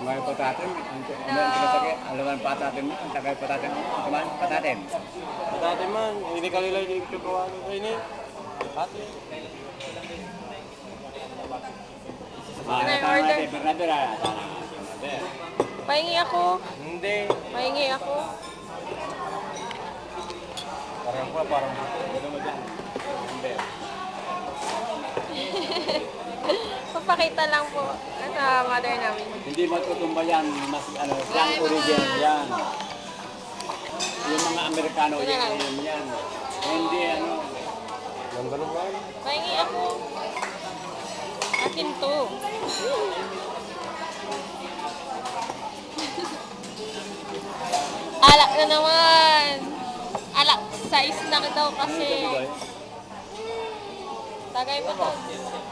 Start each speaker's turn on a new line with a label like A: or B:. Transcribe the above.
A: May patatin, ang pinatagay, alaman patatin mo, ang tagay patatin mo, kumain patatin.
B: Dati man, hindi ka nila yung tutuwa ko kayo ni. Ate.
C: order?
A: Bernadera.
C: Pahingi ako.
B: Hindi.
C: Pahingi ako.
B: Parang ko parang
A: Ano mo dyan? Hindi.
C: Papakita lang po sa mother namin.
A: Hindi matutumba yan, mas ano, yan origin yan. Yung mga Amerikano, yan. Hindi ano,
B: ganda naman.
C: Pahingi ako. Akin to. Alak na naman. Alak size na daw kasi. Tagay pa to.